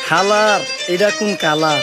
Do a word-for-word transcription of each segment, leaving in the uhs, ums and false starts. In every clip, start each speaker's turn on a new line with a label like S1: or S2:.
S1: খালার এটা কোন কালার?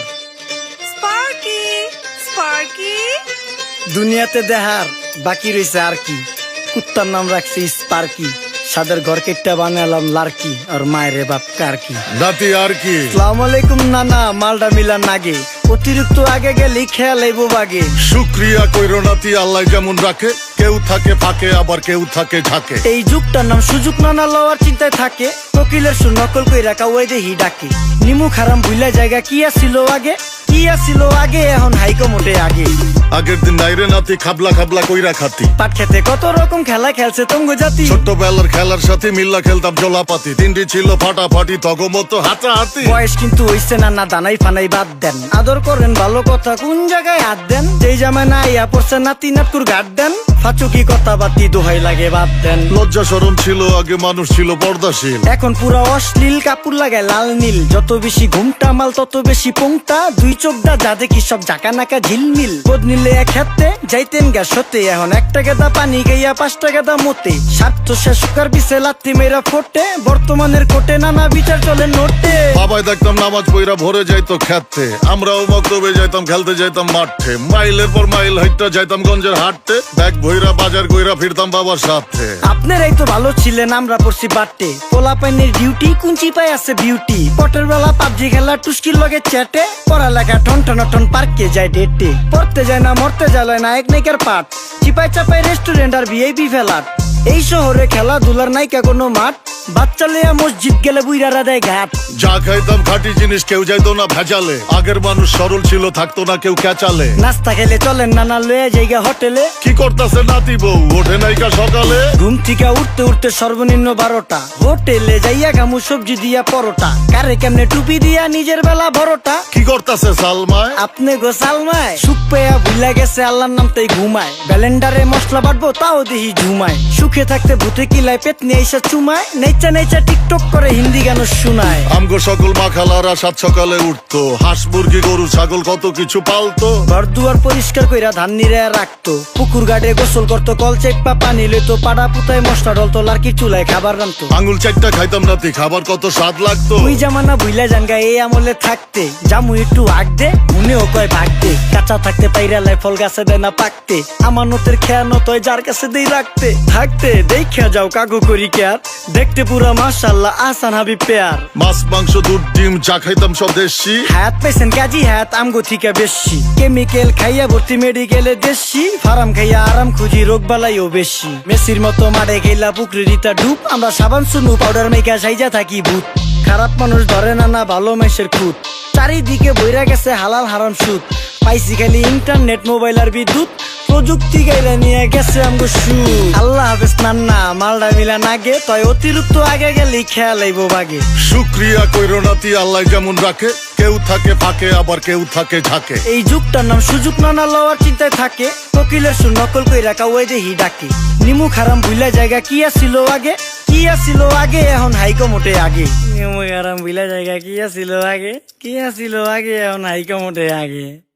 S2: স্পার্কি স্পার্কি
S1: দুনিয়াতে দেখার বাকি রয়েছে আর কি। কুত্তার নাম রাখছি স্পার্কি, সাদের ঘর কেটটা বানালাম লার্কি, আর মায়ের বাপ কারকি।
S3: নাতি আর কি?
S1: আসসালামু আলাইকুম নানা, মালডা মিলান নাগে, অতিরিক্ত আগে গেলে খেয়াল আইব বাগে।
S3: শুক্রিয়া কইরো নাতি, আল্লাহ যেমন রাখে, কেউ থাকে ফাঁকে আবার কেউ থাকে ঝাঁকে।
S1: এই যুগটার নাম সুযোগ নানা লওয়ার চিন্তায় থাকে, কোকিলের সুর নকল কই রাখা ওই দেহি ডাকে। নিমু খারাম ভুলা জায়গা কি আসিল আগে, কি আসিল আগে, এখন হাইকো মোটে আগে।
S3: আগের দিন নাইরে নাতি খাবলা খাবলা কইরা খাতি,
S1: পাট খেতে কত রকম খেলা খেলছে তঙ্গ জাতি।
S3: ছোট্টবেলার খেলার সাথে মিল্লা খেলতাম জলাপাতি, তিনটি ছিল ফাটাফাটি তগমতো হাতাহাতি।
S1: বয়স কিন্তু হইছে না, না দানাই ফানাই বাদ দেন, আদর করেন ভালো কথা কোন জায়গায় হাত দেন। যেই জামায় না ইয়া পড়ছে নাতি নাটকুর গাট দেন, ফাচুকি কথা বাতি দোহাই লাগে বাদ দেন।
S3: লজ্জা শরম ছিল আগে, মানুষ ছিল পর্দাশীল,
S1: এখন পুরা অশ্লীল কাপড় লাগায় লাল নীল। যত বেশি ঘুমটা মাল তত বেশি পোংটা, দুই চোখটা যা দেখি সব জাকা নাকা ঝিলমিল। বোধ নিলে এক হাতে যাইতেন গা সতে, এখন একটা গেদা পানি গাইয়া পাঁচটা গেদা মতে। স্বার্থ শেষ সুকার পিছে লাত্তি মেয়েরা ফোটে, বর্তমানের কোটে নানা বিচার চলে নোটে।
S3: বাবাই দেখতাম নামাজ পইরা ভরে যাইতো খেতে, আমরাও মক্তবে যাইতাম খেলতে যাইতাম মাঠে। মাইলের পর মাইল হাইটটা যাইতাম গঞ্জের হাটতে, ব্যাগ ভইরা বাজার কইরা ফিরতাম বাবার সাথে।
S1: আপনারাই তো ভালো ছিলেন, আমরা পড়ছি বাটে। পোলা পাইনের ডিউটি কুঞ্চি পাই আছে বিউটি, পটের বেলা পাবজি খেলা টুস্কির লগে চ্যাটে। পড়ালেখা টন টন টন পার্কে যায় ডেটে, পড়তে যায় না মরতে যায় নায়ক নায়িকার পাট। চিপাই চাপাই রেস্টুরেন্ট আর ভিআইপি ফেলাট, এই শহরে খেলাধুলার নাইকা কোনো মাঠ। বাচ্চা লিয়া মসজিদ গেলে বুইরারা দেয় ঘাট।
S3: যা খাইতাম খাঁটি জিনিস, কেউ যাইতো না ভেজালে। আগের মানুষ সরল ছিল, থাকতো না কেউ ক্যাচালে।
S1: নাস্তা খেলে চলেন নানা লয়ে জায়গা হোটেলে।
S3: কি করতাছে নাতি বউ, ওঠে নাইকা সকালে।
S1: ঘুম থেকে উঠতে উঠতে সর্বনিম্ন বারোটা, হোটেলে যাইয়া গামু সবজি দিয়া পরোটা। কারে কেমনে টুপি দিয়া নিজের বেলা বড়টা।
S3: কি করতাছে সালমায়?
S1: আপনি গোসালমায় সুখ পেয়া ভুলা গেছে আল্লাহর নাম তাই ঘুমায়। ব্যালেন্ডারে মশলা বাটবো তাও দেহি ঝুমায়। সুখে থাকতে ভূতে কিলায় পেট নিয়ে এসে চুমায়। নেচা নেচা টিকটক করে হিন্দি গান শুনায়।
S3: আমগো সকল মাখালারা সাত সকালে উঠতো, হাঁস মুরগি গরু ছাগল কত কিছু পালতো।
S1: ঘর দুয়ার পরিষ্কার কইরা ধান নিরে রাখতো, পুকুর গাড়ে গোসল করতো, কল চেপা পানি লইতো। পাড়া পুতায় মশলা ডলতো, লার্কি চুলায় খাবার রান্তো।
S3: আঙুল চারটা খাইতাম নাতি, খাবার কত স্বাদ লাগতো।
S1: ওই জামানা ভুইলা জানগা এই আমলে থাকতে, জামু একটু আগ দে মনেও কয় ভাগ দে। কাঁচা থাকতে পাইরালায় ফল গাছে দেয় না পাকতে, আমানতের খেয়ানত হয় যার কাছে দেই রাখতে। থাকতে দেখা যাও কাগু করি কেয়ার, দেখতে পুরা মাশাআল্লাহ আহসান হাবিব পেয়ার।
S3: মাছ মাংস দুধ ডিম চা খাইতাম সব দেশি,
S1: হায়াত পাইছেন কাজী হায়াত আমগো থিকা বেশি। কেমিক্যাল খাইয়া ভর্তি মেডিকেলে দেশি, ফার্ম খাইয়া আরাম খুঁজি রোগ বালাইও বেশি। মেসির মতো মারে গেলা পুকুরে রিতা ডুব, আমরা সাবান সুনু পাউডার মেকা সাইজা থাকি ভূত। খারাপ মানুষ ধরে না না ভালো মেসের খুঁত, চারিদিকে বইরা গেছে হালাল হারাম সুদ। পাইছি খালি ইন্টারনেট মোবাইল আর বিদ্যুৎ, প্রযুক্তি গাইলা নিয়ে গেছে আমগো সু। আল্লাহ হাফেজ নান্না, মালডা মিলা নাগে, তয় অতিরিক্ত আগে গেলে খেয়াল আইব বাগে।
S3: শুক্রিয়া কইরো নাতি, আল্লাহ যেমন রাখে, কেউ থাকে ফাঁকে আবার কেউ থাকে ঝাঁকে।
S1: এই যুগটার নাম সুযোগ নানা লওয়ার চিন্তায় থাকে, কোকিলের সুর নকল কই রাখা ওই দেহি ডাকে। নিমু খারাম ভুলা জায়গা কি আসিল আগে, কি আসিল আগে, এখন হাইকো মোটে আগে। নিমু খারাম ভুলা জায়গা কি আসিল আগে, কি আসিল আগে, এখন হাইকো মোটে আগে।